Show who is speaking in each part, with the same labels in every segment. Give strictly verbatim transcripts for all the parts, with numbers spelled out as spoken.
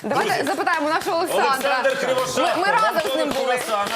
Speaker 1: Давайте запитаємо нашого Олександра.
Speaker 2: Олександр Кривошапко.
Speaker 1: Ми, ми разом з ним були.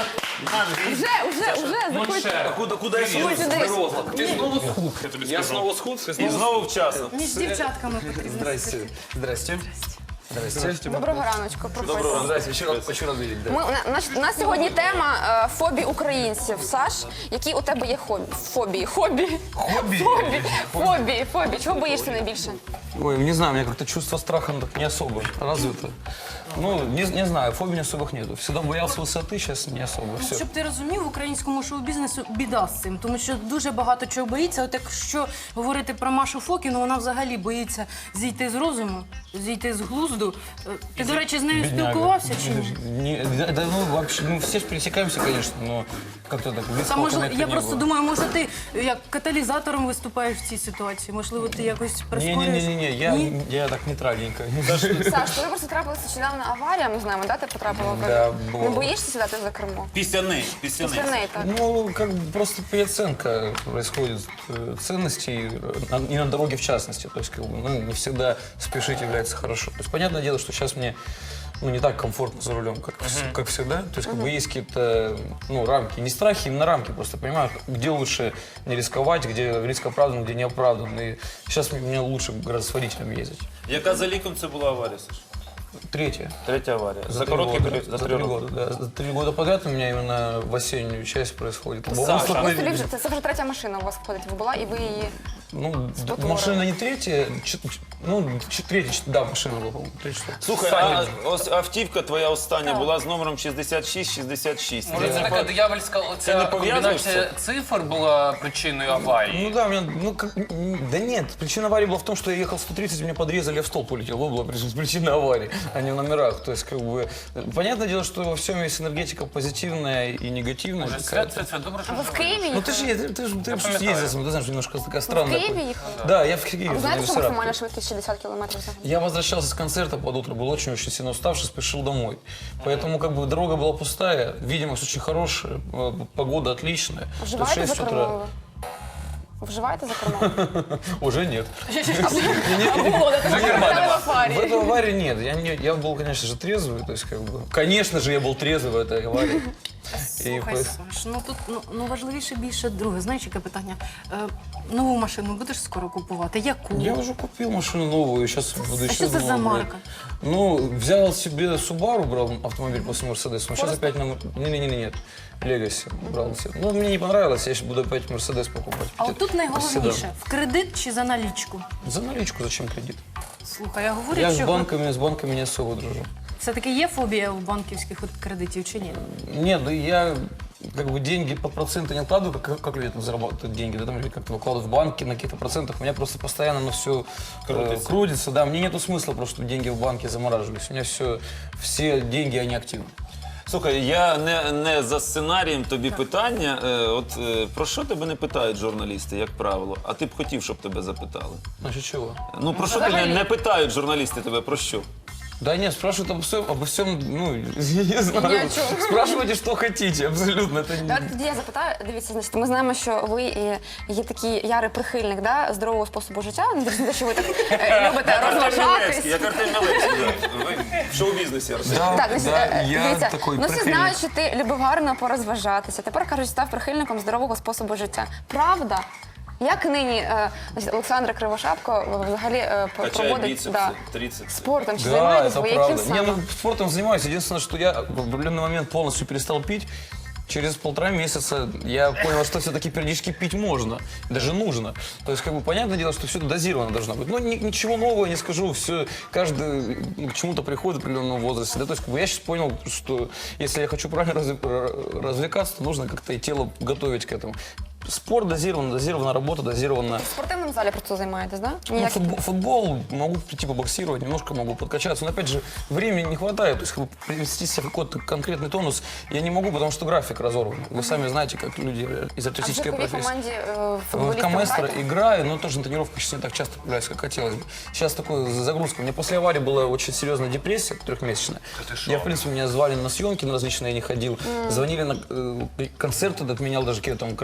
Speaker 2: Вже,
Speaker 1: Вже, вже, вже, заходьте.
Speaker 2: Куди, куди я
Speaker 1: Ой, сюди.
Speaker 3: Ти знову схуд, я тобі
Speaker 4: Я
Speaker 3: скажу.
Speaker 4: знову схуд?
Speaker 2: І знову вчасно.
Speaker 5: Між дівчатками потрібно.
Speaker 4: Здрасте. Здрасте. Здрасте.
Speaker 1: Доброго раночку, професор.
Speaker 4: Здрасте. Еще раз хочу раз видеть. Да.
Speaker 1: Ми, у, нас, у нас сьогодні тема е, фобій українців. Саш, які у тебе є хобі? Фобії. Хобі.
Speaker 4: Хобби?
Speaker 1: Фобі. Фобії. Фобії. Чого боїшся найбільше?
Speaker 4: Ой, не знаю, у меня как-то чувство страха ну, так не особо развито. Ну, не, не знаю, фобий особых нету. Всегда боялся высоты, сейчас не особо. Все.
Speaker 5: Щоб ти розумів, в українському шоу-бізнесу біда з цим, тому що дуже багато чого боїться. От якщо говорити про Машу Фокіну, вона взагалі боїться зійти з розуму, зійти з глузду. Е, Ти, до речі, з нею
Speaker 4: Бедняга.
Speaker 5: спілкувався чи ні?
Speaker 4: Не, да, да, ну, вообще, ну, все же пересекаемся, конечно, но как-то так близко
Speaker 5: Та, можливо,
Speaker 4: коннекта
Speaker 5: я
Speaker 4: не
Speaker 5: просто
Speaker 4: было.
Speaker 5: думаю, може ти як каталізатором виступаєш в цій ситуації? Можливо, ти якось прискорюєш?
Speaker 4: Не-не-не, я,
Speaker 5: Ні?
Speaker 4: я так нейтральненько.
Speaker 1: Саш, тобі просто трапилася нещодавно аварія, ми знаємо, да? Ти потрапила в
Speaker 4: Да,
Speaker 1: аварію.
Speaker 4: було.
Speaker 1: Не боїшся сідати за кермо?
Speaker 2: Після неї. Після
Speaker 1: Після
Speaker 2: неї.
Speaker 1: неї, так.
Speaker 4: Ну, как бы просто переоценка происходит э, ценностей, э, на- и на дороге в частности. То есть, как бы, ну, не всегда спешить является хорошо. То есть, понятное дело, что сейчас мне ну, не так комфортно за рулем, как, вс- как всегда. То есть, как бы есть какие-то ну, рамки, не страхи, именно рамки. Просто понимаю, где лучше не рисковать, где риск оправдан, где не оправдан. И сейчас мне лучше гораздо с водителем ездить.
Speaker 2: Яка за ліком це була аварія, Саш?
Speaker 4: Третье.
Speaker 2: Третя аварія. За,
Speaker 4: три
Speaker 2: короткий
Speaker 4: года.
Speaker 2: період, за
Speaker 4: За
Speaker 2: три
Speaker 4: три
Speaker 2: роки.
Speaker 4: года, да. За три года подряд у меня именно в осеннюю часть происходит. Лобовое
Speaker 1: Ну, тобі
Speaker 4: столкновение.
Speaker 1: вже, це, це вже третя машина у вас входить. Була, і ви її...
Speaker 4: Ну, д-
Speaker 1: Спотворила.
Speaker 4: машина не третья, ч- ч- ну, ч- третья, ч- да, машина была, по-моему, третья.
Speaker 2: Слухай, а ось автівка твоя остання була з номером шістдесят шість шістдесят шість.
Speaker 3: Може, це така диявольська
Speaker 2: Це
Speaker 3: оця
Speaker 2: не пов'язується?
Speaker 3: комбінація цифр була причиною аварії?
Speaker 4: Ну да, у меня, ну как, м, да нет, причина аварии была в том, что я ехал сто тридцать, меня подрезали, я в столб улетел. Вот была причина, причина аварии, а не в номерах. То есть, как бы, понятное дело, что во всем есть энергетика позитивная и негативная.
Speaker 3: Свят,
Speaker 4: какая-то.
Speaker 3: свят, свят, добре, що
Speaker 1: А ви в
Speaker 3: живий.
Speaker 1: Києві
Speaker 4: Ну
Speaker 1: їхали?
Speaker 4: ты же, ты, ты, же- ты же
Speaker 3: пам'ятаю.
Speaker 4: ездил, ты знаешь, немножко такая
Speaker 1: В
Speaker 4: странная.
Speaker 1: Києві їхали?
Speaker 4: Да, я в Киеве.
Speaker 1: А ви
Speaker 4: в
Speaker 1: знаєте, що
Speaker 4: Саратове.
Speaker 1: максимальна швидкість шістдесят кілометрів за годину?
Speaker 4: Я возвращался с концерта под утро, был очень-очень сильно уставший, спешил домой. Поэтому как бы дорога была пустая, видимость очень хорошая, э, погода отличная. То есть
Speaker 1: Вживаєте за
Speaker 4: шесть
Speaker 1: кермо?
Speaker 4: утра.
Speaker 1: ви? Вживаєте за кермо?
Speaker 4: Уже нет.
Speaker 1: А було, де ти потрапили в
Speaker 4: В
Speaker 1: аварію?
Speaker 4: этой аварии нет. Я, не, я был, конечно же, трезвый. То есть, как бы, конечно же, я был трезвый в этой аварии. И
Speaker 5: Слухай,
Speaker 4: по-
Speaker 5: Саш, ну тут ну, ну важливіше більше друге. Знаєш, яке питання? Е, нову машину будеш скоро купувати? Яку?
Speaker 4: Я уже купил машину новую, сейчас буду
Speaker 5: А
Speaker 4: еще
Speaker 5: что это за
Speaker 4: одну брать.
Speaker 5: марка?
Speaker 4: Ну, взял себе Subaru, брал автомобиль после Mercedes, но сейчас опять на... Не-не-не, нет, Legacy брал себе. Ну, мне не понравилось, я сейчас буду опять Mercedes покупать.
Speaker 5: А от тут найголовніше, в кредит чи за налічку?
Speaker 4: За наличку зачем кредит?
Speaker 5: Слухай, я говорю,
Speaker 4: Я с
Speaker 5: що
Speaker 4: банками, с банками не особо дружу.
Speaker 5: все-таки є фобія у банківських от кредитів чи ні?
Speaker 4: Нет, да я как бы деньги по проценту не откладываю, как, как люди там зарабатывают деньги, да, там или как-то выкладывают в банки на каких-то процентах. У меня просто постоянно на все
Speaker 2: Крутится.
Speaker 4: крутится, да. Мне нету смысла просто, чтобы деньги в банке замораживались. У меня все, все деньги, они активны.
Speaker 2: Слухай, я не, не за сценарієм тобі питання. Е, От е, про що тебе не питають журналісти, як правило? А ти б хотів, щоб тебе запитали?
Speaker 4: Значит, чего?
Speaker 2: Ну про що тебе не питають журналісти тебе? Про що?
Speaker 4: Да нет, спрашивают обо всем, обо всем, ну, я не знаю.
Speaker 1: Ни о чем.
Speaker 4: Спрашивайте, что хотите, абсолютно. Это не...
Speaker 1: Давайте тоді я запитаю. Дивіться, значить, ми знаємо, що ви е, є такий ярий прихильник да, здорового способу життя. Не дивлячись на те, що ви так е, любите розважатись.
Speaker 2: Як Артем Мілевський, да. Ви в шоу-бізнесі, Артем.
Speaker 4: Да,
Speaker 1: Так, значить,
Speaker 4: да,
Speaker 1: е,
Speaker 4: я
Speaker 1: дивіться,
Speaker 4: такой
Speaker 1: ну всі
Speaker 4: прихильник.
Speaker 1: знають, що ти любив гарно порозважатися. Тепер, кажуть, став прихильником здорового способу життя. Правда? Як нині е, значить, Олександр Кривошапко взагалі е, п-
Speaker 2: Качає
Speaker 1: проводить
Speaker 2: біцепси,
Speaker 1: да,
Speaker 2: трицепси.
Speaker 1: спортом? Чи
Speaker 4: Да,
Speaker 1: займаєтесь
Speaker 4: это
Speaker 1: ви? Яким
Speaker 4: правда. Не,
Speaker 1: саме?
Speaker 4: ну, спортом занимаюсь. Единственное, что я в определенный момент полностью перестал пить. Через полтора месяца я понял, что все-таки периодически пить можно, даже нужно. То есть, как бы, понятное дело, что все это дозировано должно быть. Но ни- ничего нового не скажу, все, каждый ну, к чему-то приходит в определенном возрасте. Да? То есть, как бы, я сейчас понял, что если я хочу правильно разв- развлекаться, то нужно как-то и тело готовить к этому. Спорт дозирован, дозирована работа, дозирована...
Speaker 1: В спортивному залі просто займаєтесь, да?
Speaker 4: Ну,
Speaker 1: Ніяк-
Speaker 4: футбол, футбол, могу прийти побоксировать, немножко могу подкачаться, но опять же времени не хватает, то есть как бы, привести себя в какой-то конкретный тонус я не могу, потому что график разорван. Вы сами знаете, как люди из
Speaker 1: А в
Speaker 4: артистической
Speaker 1: житковій
Speaker 4: профессии.
Speaker 1: команді е,
Speaker 4: В
Speaker 1: футболістів
Speaker 4: Каместро
Speaker 1: граєте?
Speaker 4: играю, но тоже на тренировках сейчас не так часто появляюсь, как хотелось бы. Сейчас такой загрузка. У меня после аварии была очень серьезная депрессия трехмесячная. Я, в принципе, меня звали на съемки на различные, я не ходил. Звонили на э, концерты, отменял даже какие-то там кор- корпоративы.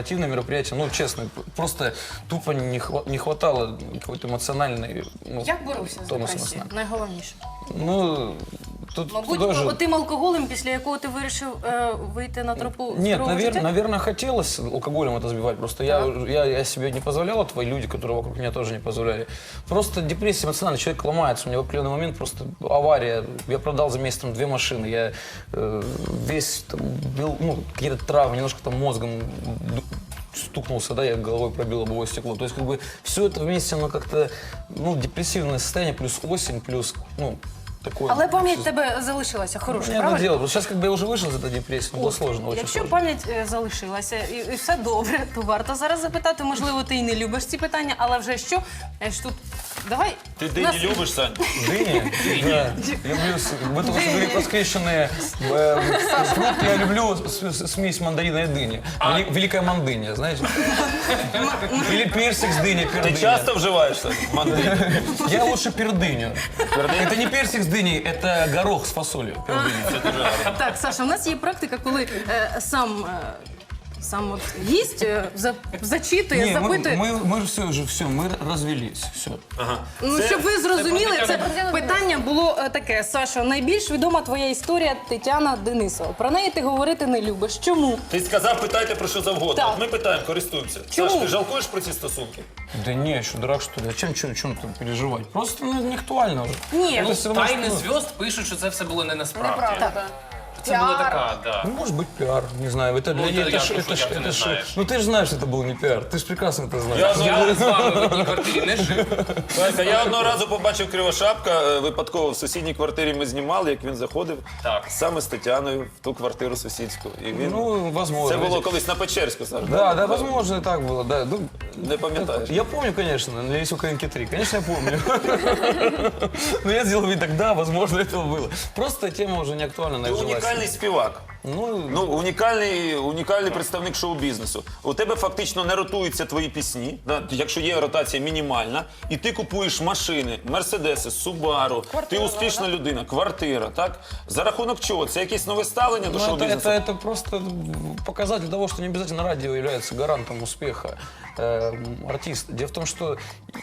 Speaker 4: спортивное мероприятие, ну, честно, просто тупо не, хва- не хватало какой-то эмоциональной, ну,
Speaker 5: Як боровся з
Speaker 4: тонуса на
Speaker 5: депресією?
Speaker 4: сна.
Speaker 5: Найголовніше.
Speaker 4: Ну, тут
Speaker 5: Мабуть,
Speaker 4: тоже...
Speaker 5: отим алкоголем, після якого ти вирішив е, вийти на тропу
Speaker 4: Нет,
Speaker 5: здорового
Speaker 4: навер-
Speaker 5: життя?
Speaker 4: наверное, хотелось алкоголем это сбивать. Просто я, я, я себе не позволял, а твои люди, которые вокруг меня, тоже не позволяли. Просто депрессия эмоциональная, человек ломается. У меня в определенный момент просто авария. Я продал за месяц там, две машины. Я э, весь там, был, ну, какие-то травмы, немножко там мозгом ду- стукнулся, да, я головой пробил лобовое стекло. То есть, как бы, все это вместе, оно как-то, ну, депрессивное состояние, плюс осень, плюс, ну, такое.
Speaker 5: Але пам'ять в тебе залишилася хороша,
Speaker 4: Понятное
Speaker 5: правильно?
Speaker 4: дело, сейчас как бы я уже вышел из этой депрессии, но было
Speaker 5: От,
Speaker 4: сложно, очень
Speaker 5: Якщо
Speaker 4: сложно.
Speaker 5: пам'ять е, залишилася і, і все добре, то варто зараз запитати. Можливо, ти і не любиш ці питання, але вже що? Е, ж тут давай.
Speaker 2: Ти
Speaker 5: у
Speaker 2: дині
Speaker 5: нас-
Speaker 2: любиш, Сань?
Speaker 4: Дыни? Да. Люблю, с- вы только что говорили про скрещенные э, фрукты. Я люблю с- с- смесь мандарина и дыни. Вели- Великая мандыня, знаете? Или персик с дыней,
Speaker 2: Ти
Speaker 4: пердыня.
Speaker 2: часто вживаєшся? Мандарин?
Speaker 4: Я лучше пердыню. Это не персик с дыней, это горох с фасолью. Пердыня.
Speaker 5: Так, Саша, у нас є практика, коли е, сам, е, сам от гість е, за, зачитує,
Speaker 4: Не, мы,
Speaker 5: запитує.
Speaker 4: мы, мы же все, уже все, мы развелись, все.
Speaker 5: Ну,
Speaker 2: Це-
Speaker 5: щоб ви зрозуміли,
Speaker 3: це
Speaker 5: це
Speaker 1: Тетяна
Speaker 5: питання було е, таке. Саша, найбільш відома твоя історія Тетяна Денисова. Про неї ти говорити не любиш. Чому?
Speaker 2: Ти сказав, питайте про що завгодно.
Speaker 5: Так.
Speaker 2: От ми питаємо, користуємося.
Speaker 5: Чому?
Speaker 2: Саш, ти жалкуєш про ці стосунки?
Speaker 4: Да не, еще дурак, что ли? Зачем чем, чем там переживать? Просто ну, не актуально уже.
Speaker 5: Ні,
Speaker 4: Это
Speaker 3: Ну,
Speaker 4: всё равно,
Speaker 3: тайни
Speaker 4: что-
Speaker 3: зв'язд пишуть, що це все було не насправді.
Speaker 1: Неправда, так.
Speaker 3: Це була
Speaker 1: Піар.
Speaker 3: така, да.
Speaker 4: Ну, может быть, пиар, не знаю. Это,
Speaker 3: Ну,
Speaker 4: для-
Speaker 3: это
Speaker 4: это,
Speaker 3: я
Speaker 4: ж-
Speaker 3: прошу,
Speaker 4: это, ж-
Speaker 3: як ти
Speaker 4: это
Speaker 3: не
Speaker 4: ж-
Speaker 3: знаєш.
Speaker 4: ну ты же знаешь, что это был не пиар. Ты же прекрасно это знаешь.
Speaker 2: Я знаю.
Speaker 3: Я з вами в одній квартирі не жив.
Speaker 2: Слухайте, я одного разу побачив Кривошапка, е, випадково в сусідній квартирі ми знімали, як він заходив
Speaker 3: Так.
Speaker 2: саме з Тетяною в ту квартиру сусідську. І він...
Speaker 4: Ну, возможно.
Speaker 2: Це було колись на Печерську, Саш.
Speaker 4: Да, да, возможно, и так было, да. Ну,
Speaker 2: Не пам'ятаєш?
Speaker 4: я помню, конечно, на Лесю Украинки три. Конечно, я помню. Но я сделал вид так, да, возможно, этого было. Просто тема уже не актуальна,
Speaker 2: Ти
Speaker 4: нажилась.
Speaker 2: унікальний співак.
Speaker 4: Ну,
Speaker 2: Ну, унікальний, унікальний представник шоу-бізнесу. У тебе фактично не ротуються твої пісні, да? Якщо є ротація мінімальна, і ти купуєш машини, мерседеси, Субару, ти успішна людина, квартира, так? За рахунок чого? Це якесь нове ставлення до
Speaker 4: ну, это,
Speaker 2: шоу-бізнесу?
Speaker 4: это, это просто показатель того, что не обязательно радио является гарантом успеха э, артиста. Дело в том, что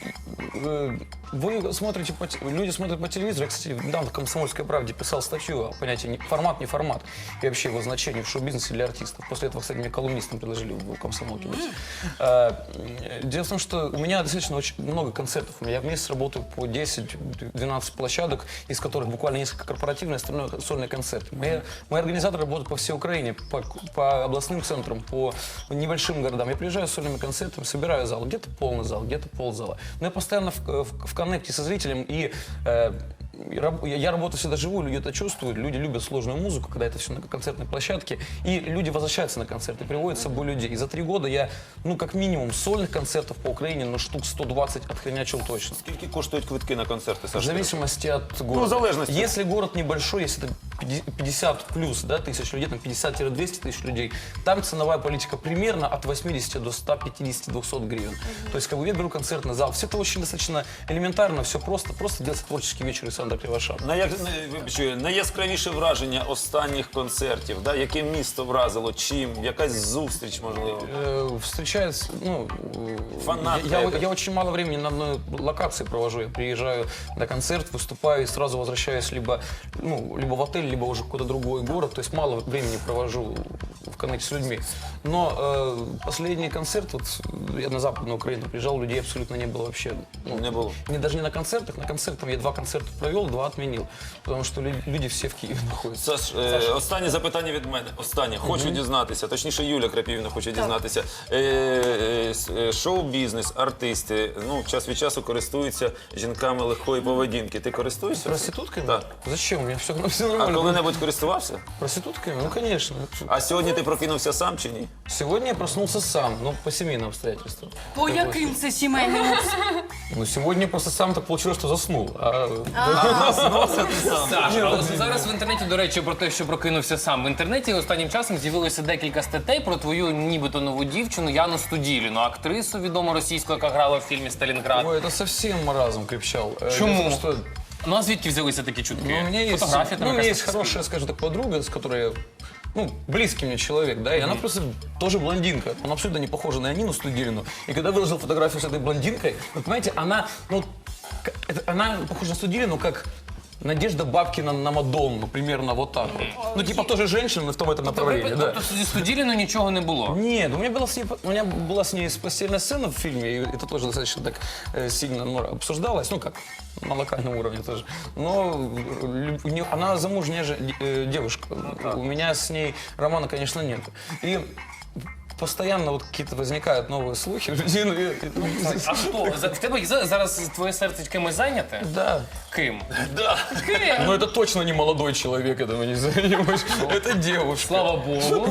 Speaker 4: э, вы смотрите, по, те- люди смотрят по телевизору. Я, кстати, недавно в «Комсомольской правде» писал статью о понятии не- формат, не формат и вообще его значении в шоу-бизнесе для артистов. После этого, кстати, мне колумнистам предложили в «Комсомолке» быть. Э, Дело в том, что у меня достаточно очень много концертов. Я в месяц работаю по десять-двенадцать площадок, из которых буквально несколько корпоративные, остальное сольные концерты. Мои, мои организаторы работают по всей Украине, по, по областным центрам, по небольшим городам. Я приезжаю с сольными концертами, собираю зал. Где-то полный зал, где-то ползала. Но я постоянно в, в, в коннекте со зрителем и э, и раб- я, я работаю всегда живую, люди это чувствуют, люди любят сложную музыку, когда это все на концертной площадке, и люди возвращаются на концерты, приводят с собой людей. И за три года я, ну, как минимум, сольных концертов по Украине, ну, штук сто двадцать отхренячил точно.
Speaker 2: Скільки коштують квитки на концерти,
Speaker 4: В
Speaker 2: Саша?
Speaker 4: зависимости от города.
Speaker 2: Ну, в залежности.
Speaker 4: Если город небольшой, если это пятьдесят плюс, да, тысяч людей, там пятьдесят-двести тысяч людей, там ценовая политика примерно от восьмидесяти до ста пятидесяти двухсот гривен. То есть, как бы я беру концертный зал. Все это очень достаточно элементарно, все просто. Просто делается творческий вечер Александра Кривошапки.
Speaker 2: Най- най- вибачте, найяскравіше враження останніх концертів, да? Яке місто вразило, чим, якась зустріч, можливо.
Speaker 4: Э, встречаюсь, ну, э,
Speaker 2: Фанат
Speaker 4: я, я,
Speaker 2: это.
Speaker 4: я очень мало времени на одной локации провожу. Я приезжаю на концерт, выступаю и сразу возвращаюсь либо, ну, либо в отель, либо уже в какой-то другой город. То есть мало времени провожу в коннекте с людьми. Но э, последний концерт, вот я на Западную Украину приезжал, людей абсолютно не было вообще. Ну,
Speaker 2: Не было.
Speaker 4: Не, даже не на концертах. На концертах я два концерта провел, два отменил. Потому что лю- люди все в Киеве находятся.
Speaker 2: Саш, е, останнє запитання від мене. Останнє. Хочу дізнатися, точніше Юля Крапівна хоче дізнатися. Е, е, с- е, шоу-бізнес, артисти, ну, час від часу користуються жінками легкої поведінки. Ти користуєшся?
Speaker 4: Проститутками?
Speaker 2: Так.
Speaker 4: Зачем? У меня все, все
Speaker 2: А
Speaker 4: нормально.
Speaker 2: коли-небудь користувався?
Speaker 4: Проститутками? Ну, конечно.
Speaker 2: А сьогодні ти прокинувся сам чи ні?
Speaker 4: Сегодня я проснулся сам, но по семейным обстоятельствам.
Speaker 5: По яким це сімейним обс-
Speaker 4: Ну, сегодня просто сам так получилось, что заснул. А,
Speaker 3: Саша, але зараз в інтернеті, до речі, про те, що прокинувся сам. В інтернеті останнім часом з'явилося декілька статей про твою нібито нову дівчину Яну Студіліну, актрису відому російську, яка грала в фільмі «Сталінград».
Speaker 4: Ой, это совсем маразм крепчал. Э,
Speaker 3: Чему?
Speaker 4: дело в том, что,
Speaker 3: Ну а звідки взялися такі чутки?
Speaker 4: ну, у меня есть,
Speaker 3: Фотографія
Speaker 4: ну,
Speaker 3: там
Speaker 4: у меня
Speaker 3: якась
Speaker 4: есть хорошая, скажем так, подруга, с которой я ну, близкий мне человек, да, и она просто тоже блондинка. Она абсолютно не похожа на Нину Студилину. И когда выложил фотографию с этой блондинкой, вы понимаете, она, ну, к- это- она похожа на Студилину, как Надежда Бабкина на Мадонну, примерно вот так вот. Ну, типа тоже женщина, но в том этом направлении, да.
Speaker 3: Тобто зі Студіліну нічого не було?
Speaker 4: Нет, у меня, была с ней, у меня была с ней постельная сцена в фильме, и это тоже достаточно так э, сильно ну, обсуждалось, ну как, на локальном уровне тоже. Но лю- у неё- она замужняя же, э, девушка, у меня с ней романа, конечно, нет. И постоянно вот какие-то возникают новые слухи. Ну, и-
Speaker 3: А хто? За- В тебе за- зараз твоє серце кимось зайняте?
Speaker 4: Да.
Speaker 3: Ким?
Speaker 2: Да.
Speaker 3: Ким?
Speaker 4: Но это точно не молодой человек, этого не занимаешь. Это девушка.
Speaker 3: Слава Богу.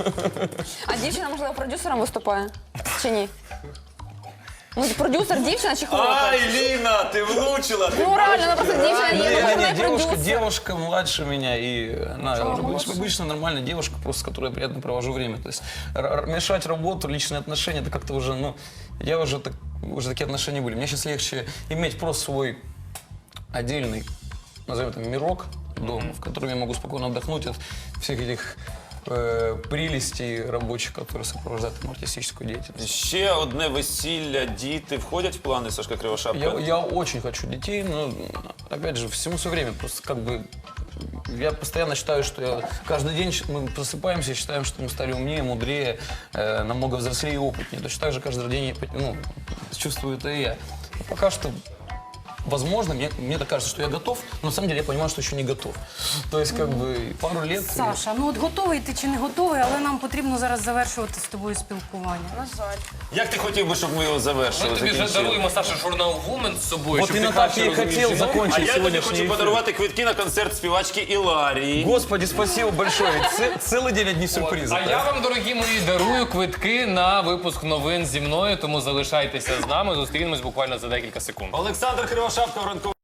Speaker 1: А дівчина, можливо, продюсером виступає? Чи ні? Ну, продюсер дівчина чи хлопець?
Speaker 2: Ай, Ліна, ти влучила! Ти
Speaker 1: Ну реально, вона просто дівчина є,
Speaker 4: Не,
Speaker 1: ну
Speaker 4: не,
Speaker 1: вона
Speaker 4: не, девушка,
Speaker 1: продюсер.
Speaker 4: девушка младше меня, и она уже обыч- обычно нормальная девушка, просто с которой я приятно провожу время. То есть р- р- мешать работу, личные отношения, это как-то уже, ну, я уже, так, уже такие отношения были. Мне сейчас легче иметь просто свой отдельный, назовем это, мирок дома, в котором я могу спокойно отдохнуть от всех этих э, прелестей рабочих, которые сопровождают мою артистическую деятельность.
Speaker 2: Ще одне весілля, діти входять в плани Сашка Кривошапка?
Speaker 4: Я, я очень хочу детей, но, опять же, всему свое время. Просто как бы я постоянно считаю, что я, каждый день мы просыпаемся и считаем, что мы стали умнее, мудрее, э, намного взрослее и опытнее. Точно так же каждый день я, ну, чувствую это и я. Но пока что, возможно, мне, мне так кажется, что я готов, но на самом деле я понимаю, что еще не готов. То есть, как бы, пару лет... и-
Speaker 5: Саша, ну от готовий ти чи не готовий, але нам потрібно зараз завершувати з тобою спілкування.
Speaker 1: На жаль.
Speaker 2: Як ти хотів би, щоб ми його завершили?
Speaker 3: Ми тобі вже
Speaker 2: закінчили?
Speaker 3: даруємо, Саша, журнал Woman з собою,
Speaker 4: Вот
Speaker 3: щоб
Speaker 4: именно
Speaker 3: ти
Speaker 4: так
Speaker 3: краще
Speaker 4: я и
Speaker 3: розумів
Speaker 4: хотел
Speaker 3: жінок.
Speaker 2: А
Speaker 4: закончить
Speaker 2: я тобі
Speaker 4: сегодняшний
Speaker 2: хочу
Speaker 4: эфир.
Speaker 2: подарувати квитки на концерт співачки Іларії.
Speaker 4: Господи, спасибо большое. Ведь ц- целый день одни сюрпризы.
Speaker 3: А я вам, дорогі мої, дарую квитки на випуск новин зі мною, тому залишайтеся з нами, зустрінемось буквально за декілька секунд.
Speaker 2: Олександр Кривошапка в ранковому